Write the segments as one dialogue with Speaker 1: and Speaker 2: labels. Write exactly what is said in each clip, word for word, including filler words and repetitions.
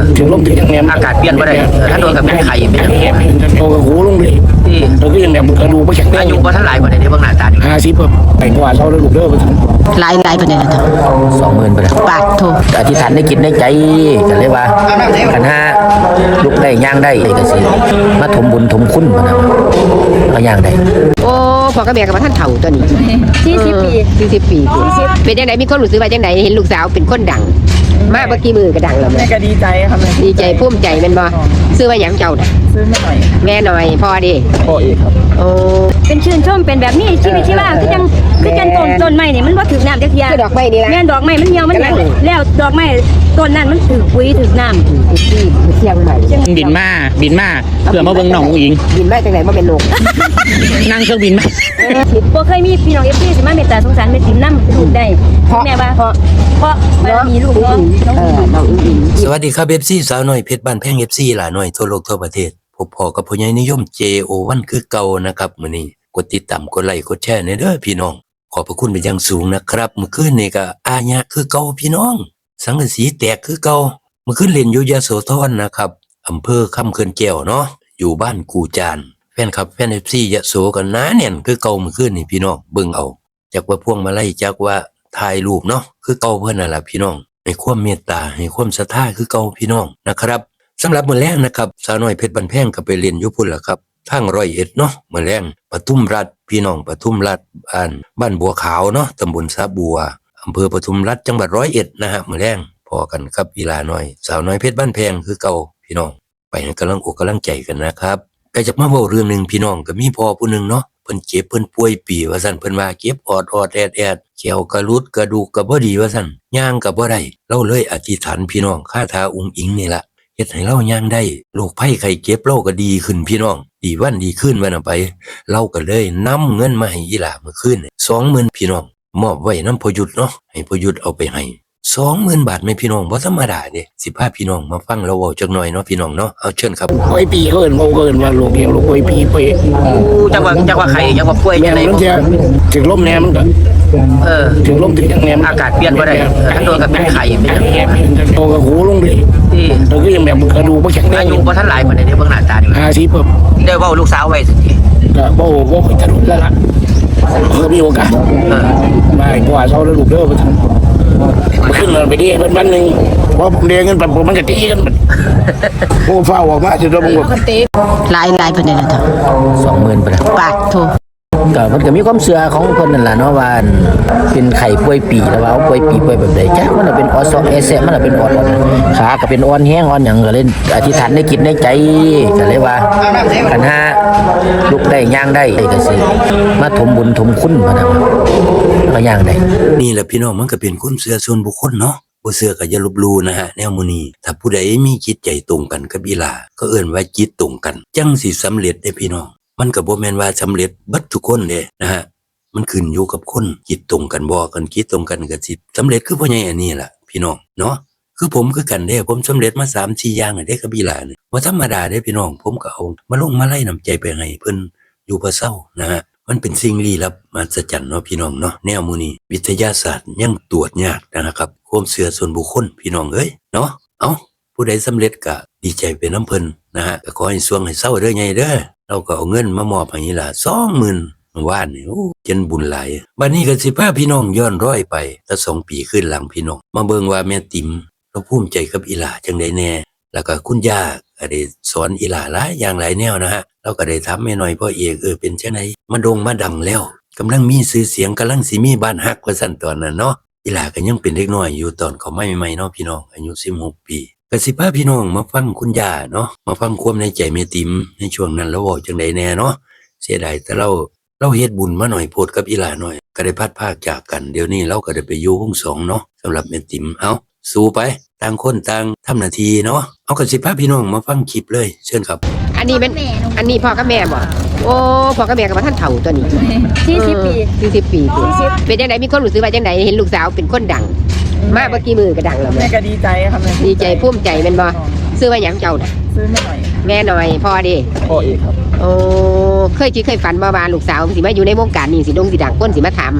Speaker 1: ถึงลมถึงยังไง
Speaker 2: อากาศเปลี่ยนไปได้ถ้าโดนกับเป็นไข่เป็นแผล
Speaker 1: โตกับหูลงเลย
Speaker 2: ที่
Speaker 1: เราก็ยังแบบกระดูกไม่แข็งแรง
Speaker 2: อายุพอท่านหลายกว่าในเบื้องหน้าตาดี
Speaker 1: ห้าสิบแบบแต่กว่าเราเลยลูกเด้อมาถึง
Speaker 3: หลายหลายประเด็นนะท่าน
Speaker 2: สองหมื่นไปเลย
Speaker 3: บาทโท
Speaker 2: อธิษฐานได้กินได้ใจกันเลยว่าขันห้าลุกได้ย่างได้ก็สิมาถมบุญถมคุณมานะมาย่างได้
Speaker 3: โอ้พ่อกับแม่กับท่านเฒ่าตัวนี้
Speaker 4: สี่สิบปี
Speaker 3: สี่สิบปีเป็นยังไงมีคนรู้สึกว่าจังไดเห็นลูกสาวเป็นคนดังมาเมื่อกี้มือก็ดังแล้วแม่
Speaker 4: ก็ดีใจครับ
Speaker 3: ดีใจภูมิใจเป็นบ่ซื้อว่าหยังเจ้าน่ะ
Speaker 4: ซื้อมาหน่อย
Speaker 3: แม่หน่อยพ่อดิ
Speaker 1: พ่อเอกครับ
Speaker 3: โอ้
Speaker 4: เป็นชื่นชมเป็นแบบนี้ชีวิตชีวาคือจังคือจังต้นต้นไม้นี่มันบ่ถึกน้ำจักเทีย
Speaker 3: คือดอกไม้นี่ล่ะ
Speaker 4: แม่นดอกไม้มันเหี่ยวมันแล้วดอกไม้ต้นนั้นมันถึกปุ๋ยถึกน้ำถึก
Speaker 3: ที่เชียงใหม่
Speaker 5: บินมาบินมาเพื่อมาเบิ่งน้องอุ๋งอิง
Speaker 3: บินมาจังได๋บ่เป็นนก
Speaker 5: นั่งเครื่องบินมา
Speaker 4: บ่เคยมีพี่น้อง เอฟ ซี สิมาเมตตาสงสารแม่ติ๋มนำลูกได้แม่ว่าเพราะเพราะมันมีลูกเนาะ
Speaker 3: เออน้องอุ๋งอิง
Speaker 2: สวัสดีครับ เอฟ ซี สาวน้อยเพชรบ้านแพง เอฟ ซี หลาน้อยทั่วโลกทั่วประเทศพบพอกับผู้ใหญ่นิยม เจ โอ วัน คือเก่านะครับมื้อนี้กดติดตามกดไลค์กดแชร์ในเด้อพี่น้องขอบพระคุณเป็นอย่างสูงนะครับเมื่อคืนนี่ก็อาญะคือเก่าพี่น้องสังกะสีแตกคือเก่าเมื่อคืนเล่นอยู่ยโสธรนะครับอำเภอคำเขื่อนแก้วเนาะอยู่บ้านกูจานแฟนคลับแฟน เอฟ ซี ยโสกันหนาแน่นคือเก่าเมื่อคืนนี่พี่น้องเบิ่งเอาจากว่าพวงมาลัยจากว่าถ่ายรูปเนาะคือเก่าเพิ่นน่ะล่ะพี่น้องให้ความเมตตาให้ความศรัทธาคือเก่าพี่น้องนะครับสำหรับมื้อแรกนะครับสาวน้อยเพชรบ้านแพงก็ไปเรียนอยู่พุ่นล่ะครับทางร้อยเอ็ดเนาะมื้อแรงปทุมรัฐพี่น้องปทุมรัฐบ้านบ้านบัวขาวเนาะตำบลสาบัวอำเภอปทุมรัฐจังหวัดร้อยเอ็ดนะฮะมื้อแรงพอกันครับอีหลาน้อยสาวน้อยเพชรบ้านแพงคือเก่าพี่น้องไปให้กำลังอกกำลังใจกันนะครับก็จะมาเว้าเรื่องนึงพี่น้องก็มีพ่อผู้นึงเนาะเพิ่นเจ็บเพิ่นป่วยปีว่าซั่นเพิ่นว่าเก็บออดออดแอดแอดแขวกระลุดกระดูกก็บ่ดีว่าซั่นย่างก็บ่ได้เราเลยอธิษฐานพี่น้องคาถาอุ๋งอิงนี่ล่ะเฮ็ดให้เราย่างได้โรคภัยไข้เจ็บเราก็ดีขึ้นพี่น้องดีวันดีขึ้นวันไปเราก็เลยนำเงินมาให้อีหลาเมื่อคืน สองหมื่น พี่น้องมอบไว้นำพยุทธเนาะให้พยุทธเอาไปให้ สองหมื่น บาทแม่พี่น้องบ่ธรรมดาเด้สิพาพี่น้องมาฟังเราเว้าจักหน่อยเนาะพี่น้องเนาะเอาเชิญครับ
Speaker 1: ป่วยปีเกินเขาเกินว่าโรคเหี่ยวโรคป่วยปีป่วย
Speaker 2: จังว่าจังว่าไข่จังว่าป่วยจังได๋
Speaker 1: มันจะถึงลมแน่มันก็
Speaker 2: เออ
Speaker 1: ถึงลมถึงยังไง
Speaker 2: อากาศเปลี่ยนบ่ได้ถ้าโดนกับเป็นไข่เป็นแผล
Speaker 1: โตกับหูลงเลย
Speaker 2: ที่
Speaker 1: เราก็ยังแบบกระดูกไม่แข็งแรง
Speaker 2: อายุพอท่านหลายกว่าในเบื้องหน้าตาดี
Speaker 1: ห้าสิบแบบ
Speaker 2: ได้เว้าลูกสาวไว้สิ
Speaker 1: ก็บ่บ่ค่อยจะรู้แล้วล่ะเออมีโอกาส
Speaker 2: เออ
Speaker 1: มาอีกว่าเราเลยลูกเด้อมาถึงขึ้นมาไปดิเพิ่นวันนึงพอผมเรียนกันปั๊บมันก็ตีกันโอ้ฟ้าออกมาสิเราบ่
Speaker 3: หลายหลายประเด็นนะท่าน
Speaker 2: สองหมื่นไปเลย
Speaker 3: บาทโท
Speaker 2: ก็มันก็มีความเชื่อของเพิ่นนั่นล่ะเนาะว่าเป็นไข้ป่วยปีแล้วว่าเอาป่วยปีป่วยแบบใดจ้ะมันเป็นออสเอเซมันเป็นอ่อนขาก็เป็นอ่อนแห้งอ่อนหยังก็เลยอธิษฐานได้กินได้ใจก็เลยว่าขันห้าลุกได้ย่างได้ก็สิมาถมบุญถมคุณมานะมาย่างได้นี่แหละพี่น้องมันก็เป็นความเชื่อส่วนบุคคลเนาะบ่เชื่อก็อย่าลบหลู่นะฮะแนวมื้อนี้ถ้าผู้ใดมีจิตใจตรงกันกับอีหลาก็เอิ้นว่าจิตตรงกันจังสิสำเร็จได้พี่น้องมันก็บ่แม่นว่าสำเร็จเบิดทุกคนเด้นะฮะมันขึ้นอยู่กับคนจิตตรงกันบ่กันคิดตรงกันก็สิสำเร็จคือพ่อใหญ่อันนี้ล่ะพี่น้องเนาะคือผมคือกันเด้ผมสำเร็จมา สามสี่ อย่างเด้กับอีหลานี่บ่ธรรมดาเด้พี่น้องผมก็เอามาลงมาไล่น้ำใจไปให้เพิ่นอยู่บ่เซานะฮะมันเป็นสิ่งลี้ลับมหัศจรรย์เนาะพี่น้องเนาะแนวมื้อนี้วิทยาศาสตร์ยังตรวจยากนะครับความเชื่อส่วนบุคคลพี่น้องเอ้ยเนาะเอ้าผู้ใดสำเร็จก็ดีใจไปนำเพิ่นนะฮะก็ขอให้สวงให้เซาเด้อใหญ่เด้อเราก็เอาเงินมามอบให้อีหลา สองหมื่น ว่านนี่โอ้จนบุญหลายบัดนี้ก็สิพาพี่น้องย้อนร้อยไปแต่สองปีขึ้นหลังพี่น้องมาเบิ่งว่าแม่ติ๋มเราภูมิใจกับอีหลาจังได๋แน่แล้วก็คุณย่าก็ได้สอนอีหลาหลายอย่างหลายแนวนะฮะเราก็ได้ถามแม่น้อยพ่อเอกเออเป็นจังได๋มาโด่งมาดังแล้วกำลังมีชื่อเสียงกำลังสิมีบ้านฮักว่าซั่นตอนนั้นเนาะอีหลาก็ยังเป็นเด็กน้อยอยู่ตอนเขาใหม่ๆเนาะพี่น้องอายุสิบหกปีก็สิพาพี่น้องมาฟังคุณย่าเนาะมาฟังความในใจแม่ติ๋มในช่วงนั้นเราเว้าจังได๋แน่เนาะเสียดายแต่เราเราเฮ็ดบุญมาหน่อยโพดกับอีหลาหน่อยก็ได้พัดพากจากกันเดี๋ยวนี้เราก็ได้ไปอยู่วงสองเนาะสำหรับแม่ติ๋มเอ้าสู้ไปต่างคนต่างทำหน้าที่เนาะเอาก็สิพาพี่น้องมาฟังคลิปเลยเชิญครับ
Speaker 3: อันนี้เป็นอันนี้พ่อกับแม่บ่โอ้พ่อกับแม่กับท่านเฒ่าตัวนี้
Speaker 4: สี่สิบปี
Speaker 3: สี่สิบปีเป็นจังไดมีคนรู้สึกว่าจังไดเห็นลูกสาวเป็นคนดังมาเมื่อกี้มือก็ดังแล้ว
Speaker 4: แม่ก็ดีใจครับ
Speaker 3: ดีใจภูมิใจแม่นบ่ซื้อว่าหยังเจ้าน่ะ
Speaker 4: ซื้อมาหน่อย
Speaker 3: แม่หน่อยพ่อดิ
Speaker 1: พ่อเอกครับ
Speaker 3: โอ้เคยคิดเคยฝันบ่ว่าลูกสาวสิมาอยู่ในวงการนี้สิดงสิดังคนสิมาถาม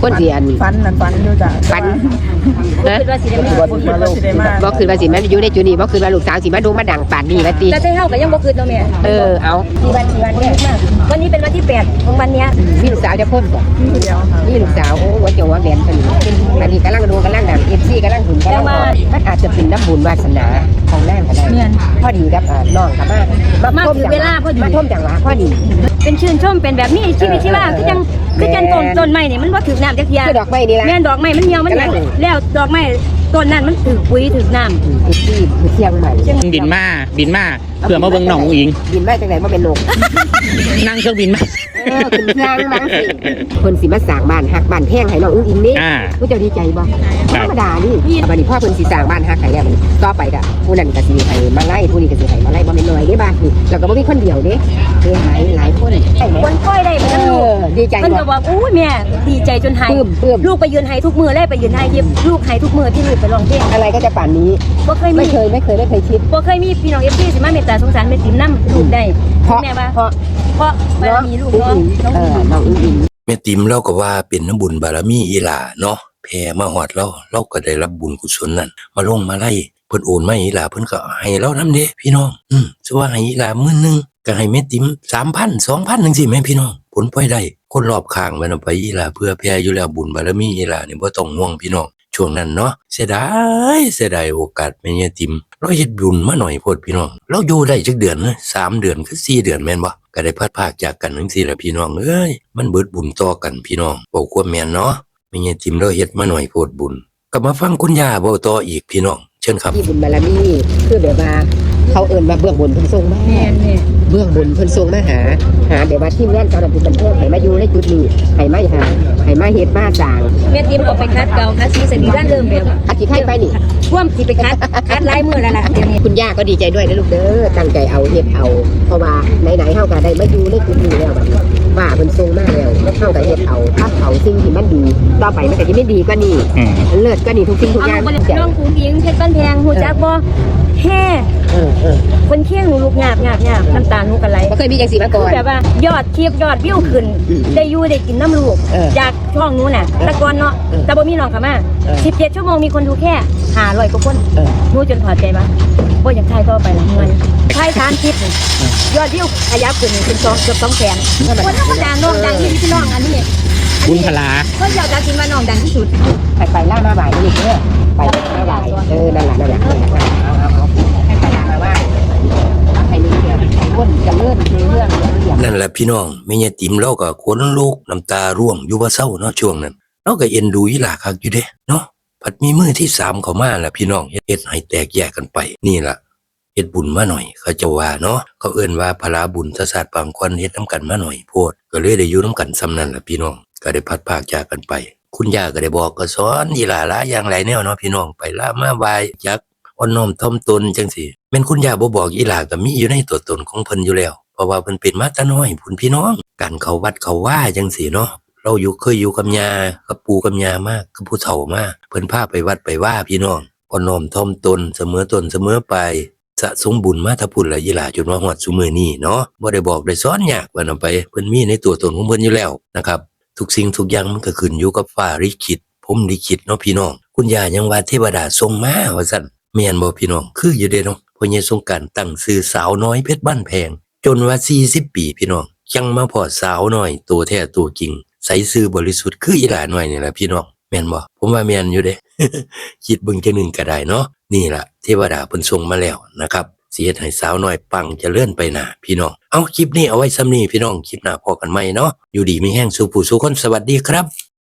Speaker 3: คนสิอัน
Speaker 6: ฟันนั่นฟันอยู่จ้ะ
Speaker 3: ฝัน
Speaker 4: บ่คิดว่าสิได้มา
Speaker 6: บ่คิดว่าสิได้มา
Speaker 3: บ่คือว่าสิมาอยู่ในจุดนี้บ่คือว่าลูกสาวสิมาโด่งมาดังป่านนี้ว่าติ
Speaker 4: แต่ใจเฮาก็ยังบ่คิดเนาะแม่
Speaker 3: เออเอา
Speaker 4: กี่วันกี่วันเนี่ยวันนี้เป็นวันที่แปดของวันเนี้ย
Speaker 3: มีลูกสาวจะพ้นบ่
Speaker 6: เดียวค่ะ
Speaker 3: นี่ลูกสาวโอ้หัวเจงหัวแหวนตัวนี้อันนี้กำลังดูกำลังดัง เอฟ ซี กำลังหุ่นกำลังบอกมันอาจจะเป็นน้ำบุญวาสนาของนางก็ได้พอดีกับอ่าน้องกับมามาท่วมจังหวะมาท่วมจังหวะพอดี
Speaker 4: เป็นชื่นชมเป็นแบบนี้ชีวิตชีวาคือจังคือจังต้นต้นไม้นี่มันบ่ถึกน้ำจักเที่ย
Speaker 3: คือดอกไม้นี่ล่ะ
Speaker 4: แม่นดอกไม้มันเหี่ยวมันแห้งแล้วดอกไม้ต้นนั้นมันถึกปุ๋ยถึกน้ำ
Speaker 3: เอฟ ซี คือเชียงใหม่
Speaker 5: บินมาบินมาเพื่อมาเบิ่งน้องอุ้งอิง
Speaker 3: บินมาจากไหนมาเป็นนก
Speaker 5: นั่งเครื่องบินมา
Speaker 3: เออขึ้นเครื่องมั้งสิคนสิมาสร้างบ้านฮักบ้านแพงให้น้องอุ้งอิงนี่
Speaker 5: อ่า
Speaker 3: ผู้เจ้าดีใจบ่
Speaker 5: ค
Speaker 3: ธ
Speaker 5: รับ
Speaker 3: รรมดานี่บัดนี้พ่อเพิ่นสิสร้างบ้านฮักให้แล้วบัดนี้ต่อไปก็ผู้นั้นก็สิให้มาไล่ผู้นี้ก็สิให้มาไล่บ่แม่นน้อยเด้บ้านนี่แล้วก็บ่มีคนเดียวเด้คือหลายหลายคนใช่ไหม
Speaker 4: คนค่อยได้เหมือน
Speaker 3: เอ
Speaker 4: กันลูก
Speaker 3: อดีใจ
Speaker 4: มัน
Speaker 3: บ่
Speaker 4: ก็บอกอู้ยแม่ดีใจจนหาย
Speaker 3: ปลื้มปลื้ม
Speaker 4: ลูกไปยืนไห้ทุกมือเลยไปยืนไห้เย็บลูกไห้ทุกมือที่ลูกไปร้องเพลง
Speaker 3: อะไรก็จะป่านนี้
Speaker 4: บ่เคยมี
Speaker 3: ไม่เคยไม่เคยไม่เคยคิด
Speaker 4: บ่เคยมีพี่น้อง เอฟ ซี สิมาเมตตาสงสารแม่ติ๋มนำลูกได้
Speaker 3: เพราะ
Speaker 4: แม่ว่า
Speaker 3: เพราะ
Speaker 4: เพราะบารมีลูก
Speaker 3: อุ้ง
Speaker 4: เนาะ
Speaker 3: อิง
Speaker 4: น้อง
Speaker 3: เออน้องอุ้งอิง
Speaker 7: แม่ติ๋มเราก็ว่าเป็นน้ำบุญบารมีอีหลาเนาะแผ่มาฮอดเราเราก็ได้รับบุญกุศลนั่นมาลงมาไล่เพิ่นโอนมาให้อีหลาเพิ่นก็ให้เรานำเด้พี่น้องอืมสิว่าให้อีหลาหมื่นหนึงก็ให้แม่ติ๋ม สามพัน สองพัน จังซี่แม่พี่น้องผลพลอยได้คนรอบข้างมันเอาไปอีหลาเพื่อแผ่อยู่แล้วบุญบารมีอีหลานี่บ่ต้องห่วงพี่น้องช่วงนั้นเนาะเสียดายเสียดายโอกาสแม่ยายติ๋มเราเฮ็ดบุญมาหน่อยโพดพี่น้องเราอยู่ได้จักเดือนนะสามเดือนคือสี่เดือนแม่นบ่ก็ได้พัดพากจากกันจังซี่ล่ะพี่น้องเอ้ยมันเบิดบุญต่อกันพี่น้องเว้าความแม่นเนาะแม่ยายติ๋มเราเฮ็ดมาหน่อยโพดบุญก็มาฟังคุณย่าเว้าต่ออีกพี่น้องเชิญครับ
Speaker 3: ที่บุญบารมีคือแบบว่าเขาเอิ้นว่าเบื้องบนเพิ่นส่งมา
Speaker 4: แม่นนี่
Speaker 3: เบื้องบนเพิ่นส่งมาหาหาแบบว่าทีมงานเจ้าหน้าที่บันเทิงให้มาอยู่ในจุดนี้ให้มาหาให้มาเฮ็ดมาสร้าง
Speaker 4: แม่ติ๋มก็ไปคัดเก่าคัดซีสนิรันเริ่มแบบ
Speaker 3: อาทิตย์ให้ไปนี่
Speaker 4: ท่วมสิไปคัดคัดหลายมื้อแล้วล่ะเดี๋ยวนี้
Speaker 3: คุณย่าก็ดีใจด้วยนะลูกเด้อตั้งใจเอาเฮ็ดเอาเพราะว่าไหนๆเฮาก็ได้มาอยู่ในจุดนี้แล้วบัดนี้ว่าเพิ่นส่งมาแล้วเฮาก็เฮ็ดเอาถ้าเอาสิ่งที่มันดีต่อไปมันก็จะไม่ดีกว่านี้
Speaker 5: อืม
Speaker 3: เลิศกว่านี้ทุกสิ่งทุก
Speaker 4: เอา
Speaker 3: อย่าง
Speaker 4: บ่ได้น้องกุ้งอิงเพชรบ้านแพงฮู้จักบ่แฮ่
Speaker 3: เออเออ
Speaker 4: คนเคียงหนูลูกหยาบหยาบหยาบน้ำตาหนูก็ไหล
Speaker 3: บ่เคยมีจังซี่มาก่อน
Speaker 4: แบบว่ายอดคลิปยอดวิวขึ้น
Speaker 3: อืม
Speaker 4: ได้อยู่ได้กินน้ำลูก
Speaker 3: เออ
Speaker 4: จากช่องหนู้น่ะแตะกอนเนาะ
Speaker 3: เออ
Speaker 4: แต่บ่มีน้องเข้ามา
Speaker 3: เออ
Speaker 4: สิบเจ็ดชั่วโมงมีคนดูแค่ห้าร้อยกว่าคน
Speaker 3: เออ
Speaker 4: หนูจนถอดใจว่าบ่อยากถ่ายต่อไปละเงินถ่ายสามคลิปนี่ยอดวิวขยับขึ้นเป็นสองเกือบสองแสนคนธรรมดาน้องดังที่พี่น้องอันนี้
Speaker 5: บุญพลา
Speaker 4: คนเดียวจะกินว่าน้องดังที่สุด
Speaker 3: ไปไปล่ามาบ่ายนี่เด้อไปล่ามาบ่ายเออนั่นล่ะนั่นล่ะนั่นล่ะเอาเอาเอาให้ไปล่ามาบ่ายให้นี่เด้อคนจะเลื่อนเรื่องเรื่อง
Speaker 7: นั่นแหละพี่น้องแม่ยายติ๋มเราก็ขนลุกน้ำตาร่วงอยู่บ่เศร้าเนาะช่วงนั้นเราก็เอ็นดูอีหลาคักอยู่เด้เนาะผัดมีมือที่สามเข้ามาล่ะพี่น้องเฮ็ดให้แตกแยกกันไปนี่ล่ะเฮ็ดบุญมาหน่อยเขาจะว่าเนาะเขาเอิ้นว่าพลาบุญทศาสตร์บางคนเฮ็ดน้ำกันมาหน่อยโพดก็เลยได้อยู่น้ำกันซ้ำนั่นล่ะพี่น้องก็ได้พัดพากจากกันไป คุณย่าก็ได้บอกก็สอนอีหลาหลายอย่างหลายแนวเนาะพี่น้องไปละมาบายจักอ่อนน้อมถ่อมตนจังซี่แม่นคุณย่าบ่บอกอีหลาก็มีอยู่ในตัวตนของเพิ่นอยู่แล้วเพราะว่าเพิ่นเป็นมาแต่น้อยพุ่นพี่น้องการเข้าวัดเข้าว่าจังซี่เนาะเราอยู่เคยอยู่กับย่ากับปู่กับย่ามากกับผู้เฒ่ามาเพิ่นพาไปวัดไปว่าพี่น้องอ่อนน้อมถ่อมตนเสมอต้นเสมอไปสะสมบุญมาถ้าพุ่นละอีหลาจนว่าฮอดซุมื้อนี้เนาะบ่ได้บอกได้สอนยากว่านํไปเพิ่นมีในตัวตนของเพิ่นอยู่แล้วนะครับทุกสิ่งทุกอย่างมันก็ขึ้นอยู่กับฟ้าลิขิตผมลิขิตเนาะพี่น้องคุณย่ายังว่าเทวดาทรงมาว่าซั่นแม่นบ่พี่น้องคืออยู่เด้เนาะพ่อใหญ่สงกรานต์ตั้งชื่อสาวน้อยเพชรบ้านแพงจนว่าสี่สิบปีพี่น้องยังมาพอสาวน้อยตัวแท้ตัวจริงใสซื่อบริสุทธิ์คืออีหลาน้อยนี่แหละพี่น้องแม่นบ่ผมว่าแม่นอยู่เด้ คิดเบิ่งจังหนึงก็ได้เนาะนี่ล่ะเทวดาเพิ่นส่งมาแล้วนะครับสิเฮ็ดให้สาวน้อยปังเจริญไปหน้าพี่น้องเอาคลิปนี้เอาไว้ซ้ำนี้พี่น้องคลิปหน้าพอกันใหม่เนาะอยู่ดีมีแห้งสู่ผู้สู่คนสวัสดีครับ